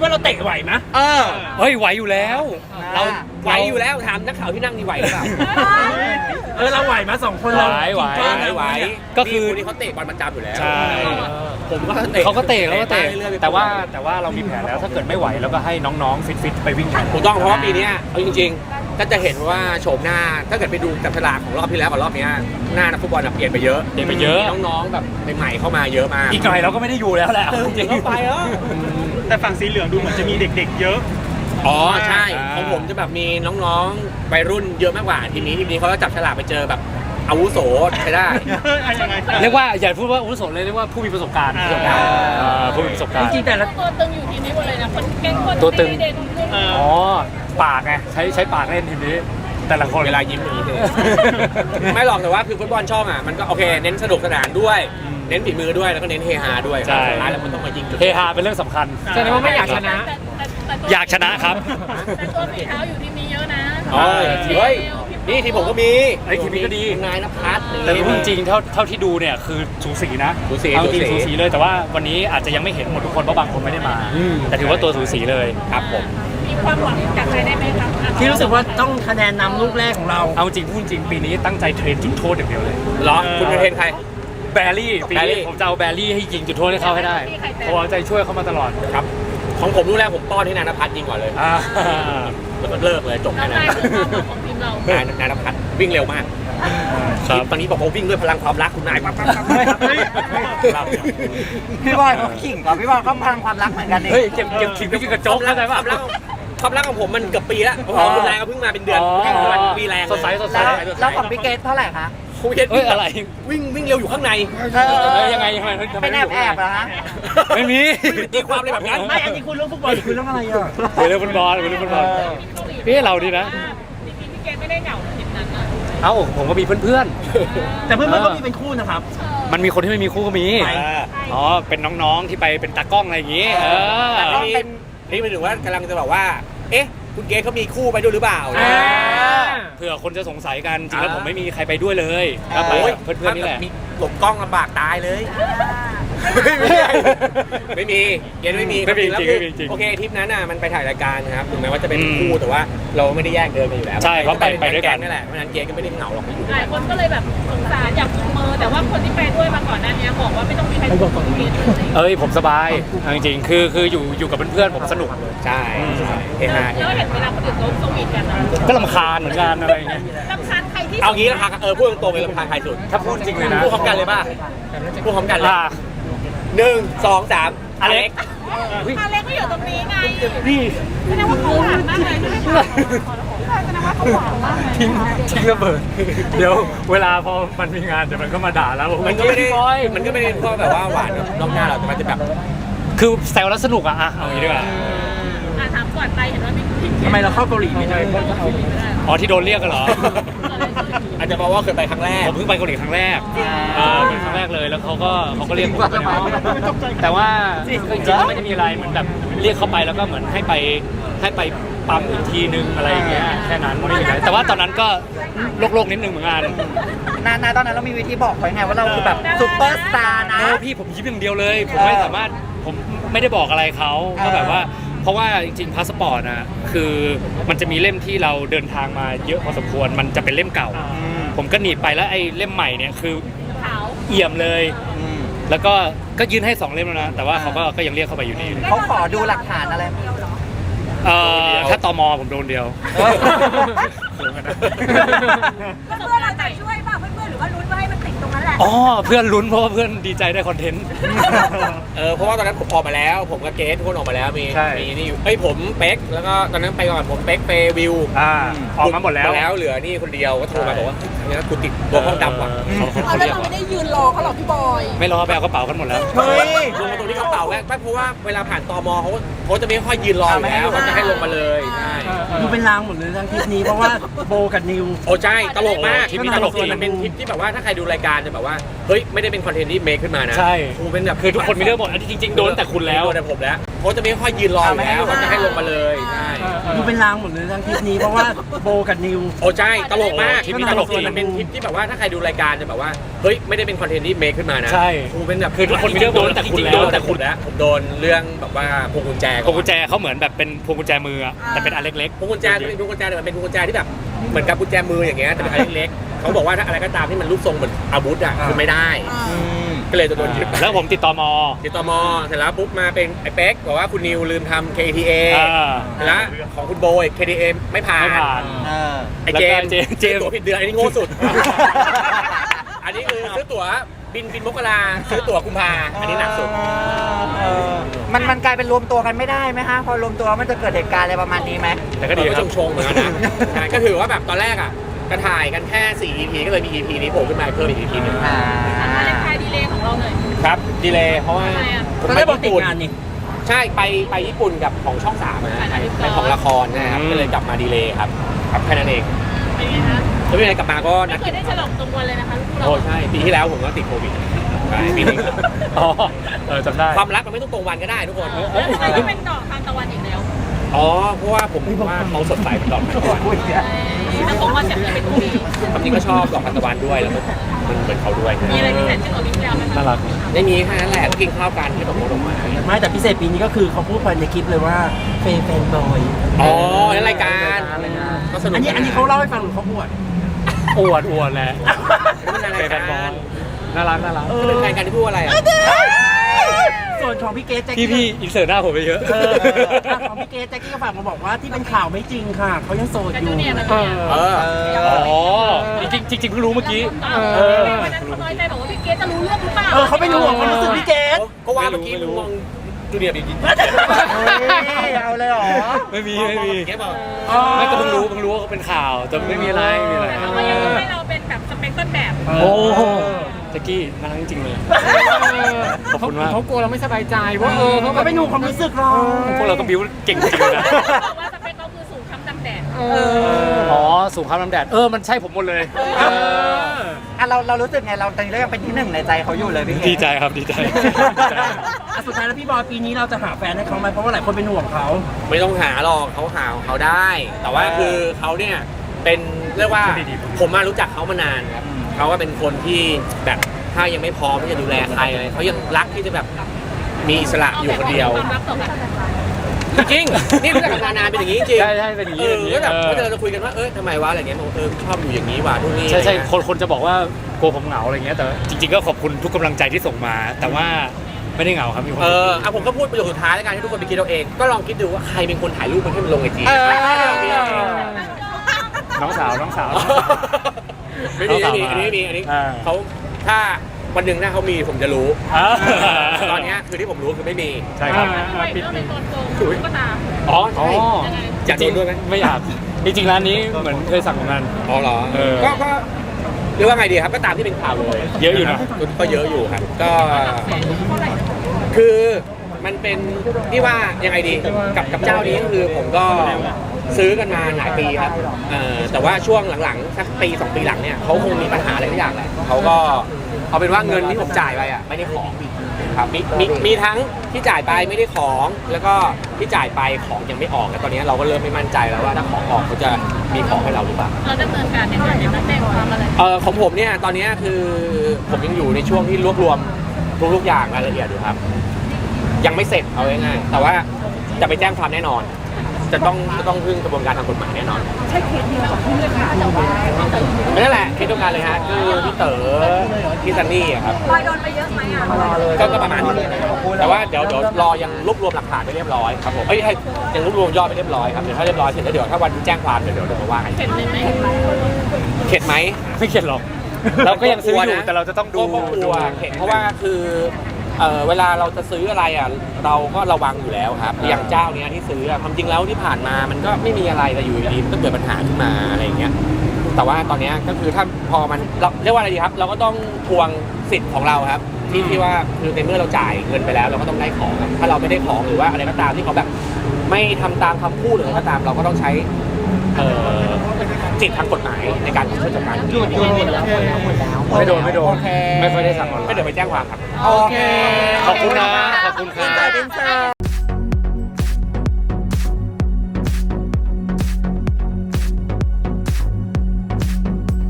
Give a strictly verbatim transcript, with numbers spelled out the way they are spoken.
ว่าเราเตะไหวไหมเออเฮ้ยไหวอยู่แล้วเราไหวอยู่แล้วถามนักข่าวที่นั่งนี่ไหวหรือเปล่าเออเราไหวมาสองคนเราไหวไหวก็คือที่เขาเตะบอลประจำอยู่แล้วใช่ผมก็เตะเขาก็เตะเขาก็เตะแต่ว่าแต่ว่าเรามีแผนแล้วถ้าเกิดไม่ไหวแล้วก็ให้น้องๆฟิตๆไปวิ่งกันถูกต้องเพราะว่าปีนี้เอาจริงๆก็จะเห็นว่าโฉมหน้าถ้าเกิดไปดูจับฉลากของรอบที่แล้วกับรอบนี้หน้านักฟุตบอลเปลี่ยนไปเยอะเปลี่ยนไปเยอะน้องๆแบบใหม่ๆเข้ามาเยอะมากอีกหน่อยเราก็ไม่ได้อยู่แล้วแหละจริงๆเข้าไปเออแต่ฝั่งสีเหลืองดูเหมือนจะมีเด็กๆเยอะอ๋อใช่ของผมจะแบบมีน้องๆวัยรุ่นเยอะมากกว่าทีมนี้ทีมนี้เขาก็จับฉลากไปเจอแบบอาวุโสใช้ได้เรียกว่าอย่าพูดว่าอาวุโสเลยเรียกว่าผู้มีประสบการณ์ประสบการณ์ผู้มีประสบการณ์จริงๆแต่ละตัวตึงอยู่ทีมนี้หมดเลยนะคนเก่งคนตัวตึงอ๋อปากไงใช้ใช้ปากเล่นทีมนี้แต่ละคนเวลายิ้มอย่างนี้เลยไม่หรอกแต่ว่าคือฟุตบอลช่องอ่ะมันก็โอเคเน้นสนุกสนานด้วยเน้นฝีมือด้วยแล้วก็เน้นเฮฮาด้วยใช่แล้วมันต้องมายิงเฮฮาเป็นเรื่องสำคัญแสดงว่าไม่อยากชนะอยากชนะครับแต่ตัวฝีเท้าอยู่ทีมนี้เยอะนะอ๋อเฮ้ยนี่ทีผมก็มีไอ้ทีมนี้ก็ดีนายณภัสแต่จริงๆเท่าเท่าที่ดูเนี่ยคือสูสีนะสูสีจริงสูสีเลยแต่ว่าวันนี้อาจจะยังไม่เห็นหมดทุกคนเพราะบางคนไม่ได้มาแต่ถือว่าตัวสูสีเลยครับผมมีความหวังจากใครได้ไหมครับที่รู้สึกว่าต้องคะแนนนำลูกแรกของเราเอาจริงพูดจริงปีนี้ตั้งใจเทรนจุดโทษอย่างเดียวเลยเหรอคุณเทรนใครแบรี่ปีนี้ผมจะเอาแบรี่ให้ยิงจุดโทษให้เขาให้ได้เพราะใจช่วยเขามาตลอดครับของผมลูกแรกผมป้อนให้นายณภัสยิงก่อนเลยแล้วก็เลิกเลยจบแค่นั้นของทีมเรานายนายณภัสวิ่งเร็วมากตอนนี้บอกว่าวิ่งด้วยพลังความรักคุณนายปั๊บปั๊บปั๊บพี่บอยเขาขิงก่อนพี่บอยเขาพลังความรักเหมือนกันเองเฮ้ยเก็บเก็บขิงไม่กินกระจกแล้วไงวะความรักของผมมันเกือบปีแล้วของคุณนายก็เพิ่งมาเป็นเดือนปีแรงสดใสสดใสแล้วของพี่เกตเท่าไหร่คะคุณเกตวิ่งอะไรวิ่งวิ่งเร็วอยู่ข้างในยังไงยังไงเป็นแอบแอบเหรอฮะไม่มีตีความอะไรแบบนั้นไม่อันนี้คุณเรื่องฟุตบอลคุณเรื่องอะไรอ่ะคุยเรื่องฟุตบอลคุยเรื่องฟุตบอลพี่เราดีนะพี่เกตไม่ได้เหงาทีมนั้นนะเอ้าผมก็มีเพื่อนๆแต่เพื่อนๆก็มีเป็นคู่นะครับมันมีคนที่ไม่มีคู่ก็มีอ๋อเป็นน้องๆที่ไปเป็นตากล้องอะไรอย่างงี้เออนี่เป็นถึงว่ากำลังจะบอกว่าเอ๊ะคุณเกตเขามีคู่ไปด้วยหรือเปล่าเผื่อคนจะสงสัยกันจริงแล้วผมไม่มีใครไปด้วยเลยก็ไปเพื่อนๆนี่แหละหลบกล้องลำบากตายเลยไม่มีเกตไม่มีไม่มีจริงไม่มีจริงโอเคทริปนั้นน่ะมันไปถ่ายรายการนะครับถึงแม้ว่าจะเป็นคู่แต่ว่าเราไม่ได้แยกเดินกันอยู่แล้วใช่เขาไปไปด้วยกันนั่นแหละเพราะฉะนั้นเกตก็ไม่ได้เหงาหรอกอยู่หลายคนก็เลยแบบสงสารอยากจุงมือแต่ว่าคนที่ไปด้วยมาก่อนหน้านี้บอกว่าไม่ต้องมีใครบอกของเกตเอ้ยผมสบายจริงๆคือคืออยู่อยู่กับเพื่อนๆผมสนุกใช่เฮฮาแล้วเห็นเวลาคนอื่นเขาสวีทกันก็รำคาญเหมือนกันอะไรเงี้ยรำคาญใครที่เอางี้รำคาญเออพูดตรงๆเลยรำคาญใครสุดถ้าพูดจริงเลยนะพูดพร้อมกันเลยป่ะพูดพร้อมกันเลยหนึ่งสองสามอเล็กอเล็กก็อยู่ตรงนี้ไงนี่แสดงว่าเขาหวานมากเลยใช่ไหมคะแสดงว่าเขาหวานมากเลยทิ้งทิ้งระเบิดเดี๋ยวเวลาพอมันมีงานเดี๋ยวมันก็มาด่าแล้วมันก็ไม่ได้มันก็ไม่ได้เพราะแบบว่าหวานนอกหน้าเราแต่มันจะแบบคือแซวแล้วสนุกอะอะเอางี้ดีกว่าถามก่อนไปเห็นว่ามีทำไมเราเข้าเกาหลีไม่ได้อ๋อที่โดนเรียกกันเหรออาจจะเพราะว่าเคยไปครั้งแรกผมเพิ่งไปเกาหลีครั้งแรกเป็นครั้งแรกเลยแล้วเขาก็เขาก็เรียกผมไปในห้องแต่ว่าจริงๆไม่ได้มีอะไรเหมือนแบบเรียกเข้าไปแล้วก็เหมือนให้ไปให้ไปปั๊มอีกทีนึงอะไรอย่างเงี้ยแค่นั้นไม่ได้มีอะไรแต่ว่าตอนนั้นก็โลกๆนิดนึงเหมือนกันนานาตอนนั้นเรามีวิธีบอกเขาไงว่าเราคือแบบซุปเปอร์สตาร์นะพี่ผมยิ้มอย่างเดียวเลยผมไม่สามารถผมไม่ได้บอกอะไรเขาก็แบบว่าเพราะว่าจริงๆพาสปอร์ตนะคือมันจะมีเล่มที่เราเดินทางมาเยอะพอสมควรมันจะเป็นเล่มเก่าผมก็หนีบไปแล้วไอ้เล่มใหม่เนี่ยคือเอี่ยมเลยแล้วก็ก็ยื่นให้สองเล่มแล้วนะแต่ว่าเขาก็ก็ยังเรียกเข้าไปอยู่ดีเขาขอดูหลักฐานอะไรเอ่อถ้าตมผมโดนเดียวเพื่อนเราจะช่วยป่ะเพื่อนๆหรือว่าลุ้นว่าให้มันติดตรงนั้นแหละอ๋อเพื่อนลุ้นเพราะว่าเพื่อนดีใจได้คอนเทนต์เออเพราะว่าตอนนั้นผมออกมาแล้วผมกับเกสทุกคนออกมาแล้วมีมีนี่อยู่เอ้ยผมเป๊กแล้วก็ตอนนั้นไปก่อนผมเป๊กเฟวิวอ่าออกมาหมดแล้วแล้วเหลือนี่คนเดียวก็โทรมาบอกว่าเนี่ยกูติดตัวห้องดำว่ะเอาแล้วเราไม่ได้ยืนรอเขาหรอกพี่บอยไม่รอไปเอากระเป๋ากันหมดแล้วเฮ้ยลงมาตรงที่กระเป๋าแรกไม่เพราะว่าเวลาผ่านตมเขาเขาจะไม่ค่อยยืนรอแล้วเขาจะให้ลงมาเลยใช่ดูเป็นลางหมดเลยทั้งทริปนี้เพราะว่าโบกับนิวโอ้ใช่ตลกมากทริปนี้ตลกมันเป็นทริปที่แบบว่าถ้าใครดูรายการจะแบบว่าว่าเฮ้ยไม่ได้เป็นคอนเทนต์ที่เมคขึ้นมานะใช่กูเป็นแบบคือทุกคนมีเรื่องหมดอันที่จริงๆโดนแต่คุณแล้วโดนแต่ผมแล้วเขาจะไม่ค่อยยืนรออยู่แล้วเขาจะให้ลงมาเลยใช่ดูเป็นลางหมดเลยทั้งคลิปนี้เพราะว่าโบกับนิวโอ้ใช่ตลกมากคลิปนี้ตลกจริงมันเป็นคลิปที่แบบว่าถ้าใครดูรายการจะแบบว่าเฮ้ยไม่ได้เป็นคอนเทนต์ที่เมคขึ้นมานะใช่กูเป็นแบบคือทุกคนมีเรื่องโดนแต่คุณแล้วโดนแต่คุณแล้วผมโดนเรื่องแบบว่าพวงกุญแจพวงกุญแจเขาเหมือนแบบเป็นพวงกุญแจมืออะแต่เป็นอันเล็กพวงกุญแจเป็นพวงกุญแจแต่มันเป็นพวงกุญแจที่แบบเหมือนกับกุญแจมืออย่างเงี้ยแต่เป็นอันเล็กๆเขาบอกว่าถ้าอะไรก็ตามที่มันรูปทรงเหมือนอาวุธอ่ะคือไม่ได้ก็เลยจะโดนยึดๆแล้วผมติดต่อมอติดต่อมอเสร็จแล้วปุ๊บมาเป็นไอ้เป๊กบอกว่าคุณนิวลืมทำ เค ที เออ่าแล้วของคุณโบย เค ที เอ ไม่ผ่านไม่ผ่านเออไอ้เจมส์แล้วก็เจมส์ซื้อตั๋วผิดเดือนอันนี้โง่สุด อันนี้คือซื้อตั๋วบินบินมกราซื้อตั๋วกุมภาอันนี้หนักสุดเออมันมันกลายเป็นรวมตัวกันไม่ได้ไหมฮะพอรวมตัวมันจะเกิดเหตุการณ์อะไรประมาณนี้ไหมแต่ก็ดีก็ครับชงๆเหมือนกันนะใช่ก็ถือว่าแบบตอนแรกอ่ะกระถ่ายกันแค่ สี่ อี พี ก็เลยมี อี พี นี้โผล่ขึ้นมาเพิ่มอีก อี พี หนึงอ่ามาเลนไทน์ดีเลย์ของเราหน่อยครับดีเลยเพราะว่าทำไมอะผมตอนไปแรกบอกติดญี่ปุ่นงานนี่ใช่ไปไปญี่ปุ่นกับของช่องสามนะถ่ายหนังเป็นของละครนะครับก็เลยกลับมาดีเลยครับครับแค่นั้นเองเป็นไงคะแล้วเป็นไงกลับมาก็ไม่นัดเคยได้ฉลองตรงวันเลยนะคะลูกเราโอ้ใช่ปีที่แล้วผมก็ติดโควิดใช่ปีนี้อ๋อเออจำได้ความรักมันไม่ต้องตรงวันก็ได้ทุกคนแล้วทำไมต้องเป็นดอกทานตะวันอีกแล้วอ๋อเพราะว่าผมว่าเขาสดใสเป็นดอกทานตะวันถ้าผมว่าจะเป็นคู่นี้ความจริงก็ชอบดอกทานตะวันด้วยแล้วก็มันเหมือนเขาด้วยมีอะไรพิเศษขึ้นกว่าปีที่แล้วไหมคะน่ารักไม่มีแค่นั้นแหละก็กินข้าวกันที่ดอกมงดอกไม้ไม่แต่พิเศษปีนี้ก็คือเขาพูดไปในคลิปเลยว่าเฟนแฟนบอยอ๋อนั่นรายการก็สนุกอันนี้อันนี้เขาเล่าให้ฟังหรือเขาพูดอวดอวดแหละมันอะไรเป็นกัแฟนบอลนน่ารักน่ารักก็เป็นแฟนกันที่พูดอะไรอ่ะส่วนของพี่เกสแจ็คพี่กี้พี่อินเสิร์ตหน้าผมไปเยอะเอออ่ะของพี่เกสแจ็คกี้ก็ฝากมาบอกว่าที่เป็นข่าวไม่จริงค่ะเขายังโสดกับอจูยู่เนียร์กับเอจูเนียร์อเอออ๋อจริงจริงจริงเพิ่งรู้เมื่อกี้เออวันนั้นเขาน้อยใจบอกว่าพี่เกสจะรู้เรื่องหรือเปล่าเออเขาเป็นห่วงความรู้สึกพี่เกสก็ว่าเมื่อกี้มึงมองจูเนียร์ดีเฮ้ยเอาเลยเหรอไม่มีไม่มีแกบอกไม่ก็เพิ่งรู้เพิ่งรู้ว่าเขาเป็นข่าวแต่ไม่มีอะไรไม่มีอะไรแต่เขาก็ยังให้เราเป็นแบบสเปคต้นแบบโอ้โหแจ็คกี้น่ารักจริงๆเลยขอบคุณมากเขากลัวเราไม่สบายใจว่าเออเขาเขาเป็นห่วงความรู้สึกเราพวกเราก็บิ้วเก่งจริงๆนะบอกว่าสเปคเขาคือสูงค้ำดำแดดเอออ๋อสูงข้ามน้ำแดดเออมันใช่ผมหมดเลยเอออ่ะเราเรารู้สึกไงเราตอนนี้เรายังเป็นที่หนึ่งในใจเขาอยู่เลยพี่เกศดีใจครับดีใจอ่ะสุดท้ายแล้วพี่บอยปีนี้เราจะหาแฟนให้เขาไหมเพราะว่าหลายคนเป็นห่วงเขาไม่ต้องหาหรอกเขาหาของเขาได้ แต่ว่าคือเขาเนี่ยเป็นเรียกว่าผมมารู้จักเขามานานครับเขาก็เป็นคนที่แบบถ้ายังไม่พร้อมที่จะดูแลใครอะไรเขายังรักที่จะแบบมีอิสระอยู่คนเดียวความรักต่อกันจริงๆนี่รู้จักกันมานานเป็นอย่างนี้จริงใช่ใช่เป็นอย่างนี้เอเป็นอย่างนี้อก็แบบเออก็เราจะคุยกันว่าเออทำไมวะอะไรเงี้ยบอกเออชอบอยู่อย่างนี้ว่ะนู่นนี่ใช่ใช่อะไรเงี้ยคนคนจะบอกว่ากลัวผมเหงาอะไรเงี้ยแต่จริงๆก็ขอบคุณทุกกำลังใจที่ส่งมา แต่ว่าไม่ได้เหงาครับมีความเอสุขออ่ะผมก็พูดประโยคสุดท้ายแล้วกันให้ทุกคนไปคิดเอาเอง ก็ลองคิดดูว่าใครเป็นคนถ่ายรูปมันให้มันลงไอจีเออน้องสาวน้องสาวไม่มีไม่มีอันนี้ไม่มีอันนี้อ่าเขาถ้าวันหนึ่งถ้าเขามีผมจะรู้อ่าตอนเนี้ยคือที่ผมรู้คือไม่มีใช่ครับด้วยเรื่องในตอนโกงตุ๊กตาอ๋ออ๋อใช่อยากโดนด้วยไหมไม่อยากจริงๆร้านนี้เหมือนเคยสั่งเหมือนกันอ๋อเหรอเออก็ก็เรียกว่าไงดีครับก็ตามที่เป็นข่าวเลยเยอะอยู่นะก็เยอะอยู่ครับก็เท่าไหร่คือมันเป็นที่ว่ายังไงดีกับกับเจ้านี้ก็คือผมก็ซื้อกันมาหลายปีครับเอ่อแต่ว่าช่วงหลังๆสักปีสองปีหลังเนี่ยเขาคงมีปัญหาอะไรทุกอย่างแหละเขาก็เอาเป็นว่าเงินที่ผมจ่ายไปอ่ะไม่ได้ของครับมีมีมีทั้งที่จ่ายไปไม่ได้ของแล้วก็ที่จ่ายไปของยังไม่ออกแล้วตอนนี้เราก็เริ่มไม่มั่นใจแล้วว่าถ้าของออกเขาจะมีของให้เราหรือเปล่าเราดำเนินการยังไงเนี่ยนักแจ้งความอะไรเออของผมเนี่ยตอนนี้คือผมยังอยู่ในช่วงที่รวบรวมทุกๆอย่างรายละเอียดอยู่ครับ ยังไม่เสร็จเอาง่ายๆแต่ว่าจะไปแจ้งความแน่นอน จะต้องจะต้องพึ่งกระบวนการทางกฎหมายแน่นอนใช่เคสเดียวกับที่เลยค่ะแต่ว่านั่นแหละเคสเดียวกันเลยฮะคือพี่เต๋อพี่ซันนี่อะครับลอยโดนไปเยอะไหมอ่ะก็ก็ประมาณนี้แต่ว่าเดี๋ยวเดี๋ยวรอยังรวบรวมหลักฐานไปเรียบร้อยครับผมเอ้ยให้ยังรวบรวมยอดไปเรียบร้อยครับเดี๋ยวถ้าเรียบร้อยเสร็จแล้วเดี๋ยวถ้าวันแจ้งความเดี๋ยวเดี๋ยวเดี๋ยวมาว่ากันเข็ดเลยไหมเข็ดไหมไม่เข็ดหรอกเราก็ยังซื้ออยู่แต่เราจะต้องดูก็กลัวเข็ดเพราะว่าคือเอ่อเวลาเราจะซื้ออะไรอ่ะเราก็ระวังอยู่แล้วครับอย่างเจ้าเนี้ยที่ซื้ออะความจริงแล้วที่ผ่านมามันก็ไม่มีอะไรแต่อยู่ดีๆมันก็เกิดปัญหาขึ้นมาอะไรอย่างเงี้ยแต่ว่าตอนเนี้ยก็คือถ้าพอมันเราเรียกว่าอะไรดีครับ เราก็ต้องทวงสิทธิ์ของเราครับที่ที่ว่าคือในเมื่อเราจ่ายเงินไปแล้ว เราก็ต้องได้ของครับถ้าเราไม่ได้ของหรือว่าอะไรก็ตามที่เขาแบบไม่ทำตามคำพูดหรืออะไรก็ตามเราก็ต้องใช้เอ่อสิทธิทางกฎหมายในการช่วยจัดการหยุดหยุดหมดแล้วหมดแล้วหมดแล้วไม่โดนไม่โดนโอเคไม่ค่อยได้สั่งออนไลก็น์เดี๋ยวไปแจ้งความครับโอเคขอบคุณนะขอบคุณครับอินเตอร์อินเตอร์